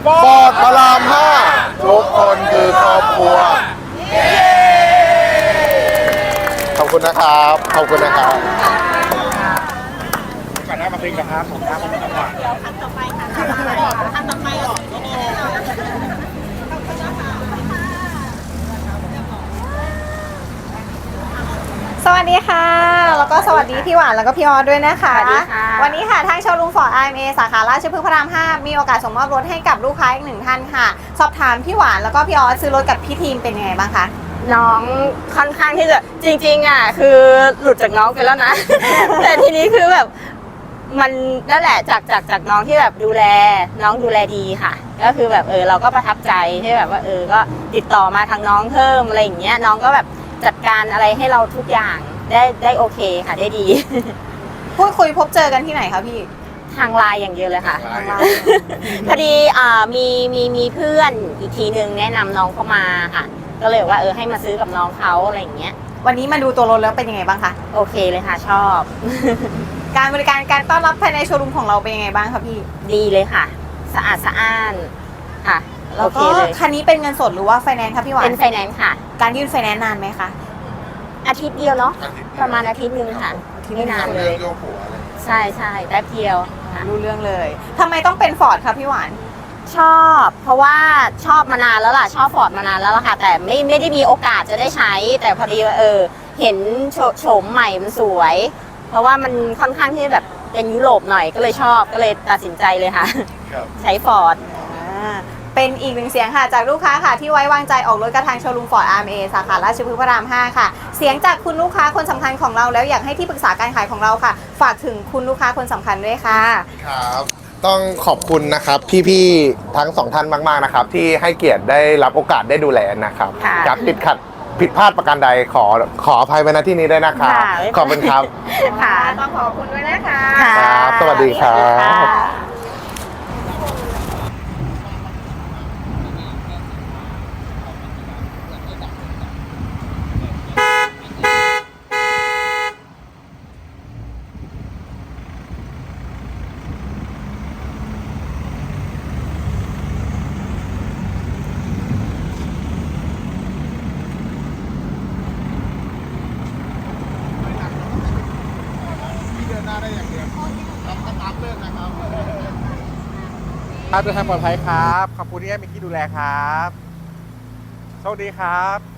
ฟอร์ดพระรามห้าทุกคนคือครอบครัวขอบคุณนะครับขอบคุณนะครับก่อนหน้ามาเพลงนะครับผมครับผมจังหวะคันต่อไปค่ะคันต่อไปหรอสวัสดีค่ะแล้วก็สวัสดีพี่หวานแล้วก็พี่ออสด้วยนะคะสวัสดีค่ะวันนี้ค่ะทางโชว์รูมฟอร์ด IMA สาขาราชพฤกษ์พระราม 5มีโอกาสส่งมอบรถให้กับลูกค้าอีกหนึ่งท่านค่ะสอบถามพี่หวานแล้วก็พี่ออสซื้อรถกับพี่ทีมเป็นยังไงบ้างคะน้องค่อนข้างที่จะจริงๆอ่ะคือหลุดจากน้องไปแล้วนะ แต่ทีนี้คือแบบมันนั่นแหละจากน้องที่แบบดูแลน้องดูแลดีค่ะ ก็คือแบบเราก็ประทับใจที่แบบว่าก็ติดต่อมาทางน้องเพิ่มอะไรอย่างเงี้ยน้องก็แบบจัดการอะไรให้เราทุกอย่างได้โอเคค่ะได้ดีพูดคุยพบเจอกันที่ไหนคะพี่ทางไลน์อย่างเดียวเลยค่ะพอดีมีเพื่อนอีกทีนึงแนะนำน้องเข้ามาค่ะก็เลยว่าให้มาซื้อกับน้องเขาอะไรอย่างเงี้ยวันนี้มาดูตัวรถแล้วเป็นยังไงบ้างคะโอเคเลยค่ะชอบการบริการการต้อนรับภายในโชว์รูมของเราเป็นยังไงบ้างคะพี่ดีเลยค่ะสะอาดสะอ้านค่ะแล้วก็คันนี้เป็นเงินสดหรือว่าไฟแนนซ์คะพี่หวานเป็นไฟแนนซ์ค่ะการยื่นไฟแนนซ์นานไหมคะอาทิตย์เดียวเนาะประมาณอาทิตย์นึงค่ะไม่นานเลยใช่แป๊บเดียวรู้เรื่องเลยทำไมต้องเป็นฟอร์ดคะพี่หวานชอบเพราะว่าชอบมานานแล้วล่ะชอบฟอร์ดมานานแล้วล่ะค่ะแต่ไม่ได้มีโอกาสจะได้ใช้แต่พอดีเห็นโฉมใหม่มันสวยเพราะว่ามันค่อนข้างที่แบบเป็นยุโรปหน่อยก็เลยชอบก็เลยตัดสินใจเลยค่ะใช้ฟอร์ดเป็นอีกหนึ่งเสียงค่ะจากลูกค้าค่ะที่ไว้วางใจออกรถกระทางโชว์รูมฟอร์ด IMA สาขาราชพฤกษ์พระราม 5ค่ะเสียงจากคุณลูกค้าคนสำคัญของเราแล้วอยากให้ที่ปรึกษาการขายของเราค่ะฝากถึงคุณลูกค้าคนสำคัญด้วยค่ะครับต้องขอบคุณนะครับพี่ๆทั้งสองท่านมากๆนะครับที่ให้เกียรติได้รับโอกาสได้ดูแลนะครับจากติดขัดผิดพลาดประการใดขออภัยไว้ณที่นี้ด้วยนะครับขอบคุณครับค่ะต้องขอบคุณด้วยนะคะครับสวัสดีครับครับเดินทางปลอดภัยครับขอบคุณที่ให้มิกกี้ดูแลครับโชคดีครับ